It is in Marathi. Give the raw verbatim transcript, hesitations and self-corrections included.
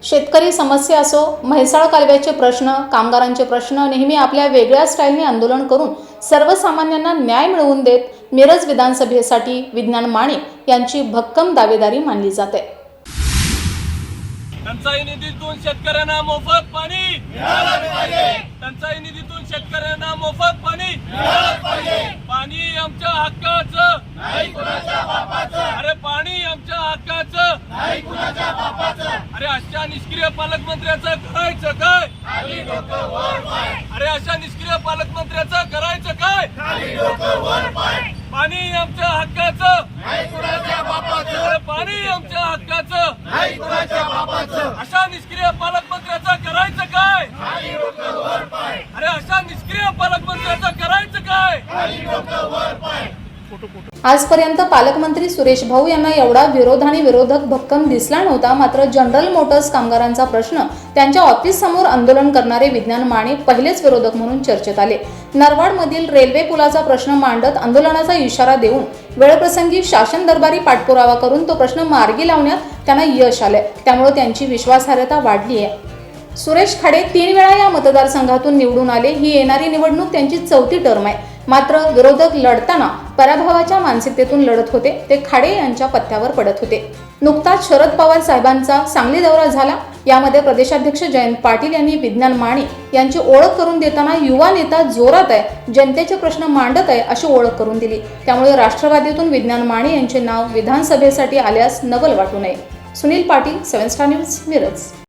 शेतकरी समस्या असो, म्हैसाळ कालव्याचे प्रश्न, कामगारांचे प्रश्न नेहमी आपल्या वेगळ्या स्टाईलने आंदोलन करून सर्वसामान्यांना न्याय मिळवून देत मिरज विधानसभेसाठी विज्ञान माने यांची भक्कम दावेदारी मानली जाते। टंचाई निधीतून शेतकऱ्यांना मोफत पाणी मिळालं पाहिजे। टंचाई निधीतून शेतकऱ्यांना मोफत पाणी मिळालं पाहिजे। पाणी आमच्या हक्काचं नाही कुणाच्या बापाचं। अरे पाणी आमच्या हक्काचं नाही कुणाच्या बापाचं। अरे अशा निष्क्रिय पालकमंत्र्याचं करायचं काय? खाली डोकं वर पाय। अरे अशा निष्क्रिय पालकमंत्र्याचं करायचं काय? खाली डोकं वर पाय। पाणी आमच्या हक्काचं नाही कुणाच्या बापाचं। अरे पाणी आमच्या हक्काचं नाही कुणाच्या बापाचं। अशा निष्क्रिय पालकमंत्र्याचं करायचं काय? खाली डोकं वर पाय। अरे अशा निष्क्रिय पालकमंत्र्याचं करायचं काय? खाली डोकं वर पाय। आजपर्यंत पालकमंत्री सुरेश भाऊ यांना एवढा विरोध आणि विरोधक भक्कम दिसला नव्हता। मात्र जनरल मोटर्स कामगारांचा प्रश्न त्यांच्या ऑफिस समोर आंदोलन करणारे विज्ञान माने पहिलेच विरोधक म्हणून चर्चेत आले। नरवाड मधील रेल्वे पुलाचा प्रश्न मांडत आंदोलनाचा इशारा देऊन वेळप्रसंगी शासन दरबारी पाठपुरावा करून तो प्रश्न मार्गी लावण्यात त्यांना यश आले, त्यामुळे त्यांची विश्वासार्हता वाढली आहे। सुरेश खाडे तीन वेळा या मतदारसंघातून निवडून आले। ही येणारी निवडणूक त्यांची चौथी टर्म आहे। मात्र विरोधक लढताना पराभवाच्या मानसिकतेतून लढत होते, ते खाडे यांच्या पत्त्यावर पडत होते। नुकताच शरद पवार साहेबांचा सांगली दौरा झाला। यामध्ये प्रदेशाध्यक्ष जयंत पाटील यांनी विज्ञान माने यांची ओळख करून देताना युवा नेता जोरात आहे, जनतेचे प्रश्न मांडत आहे अशी ओळख करून दिली। त्यामुळे राष्ट्रवादीतून विज्ञान माने यांचे नाव विधानसभेसाठी आल्यास नवल वाटू नये। Sunil Patil, seven star news, Miraj.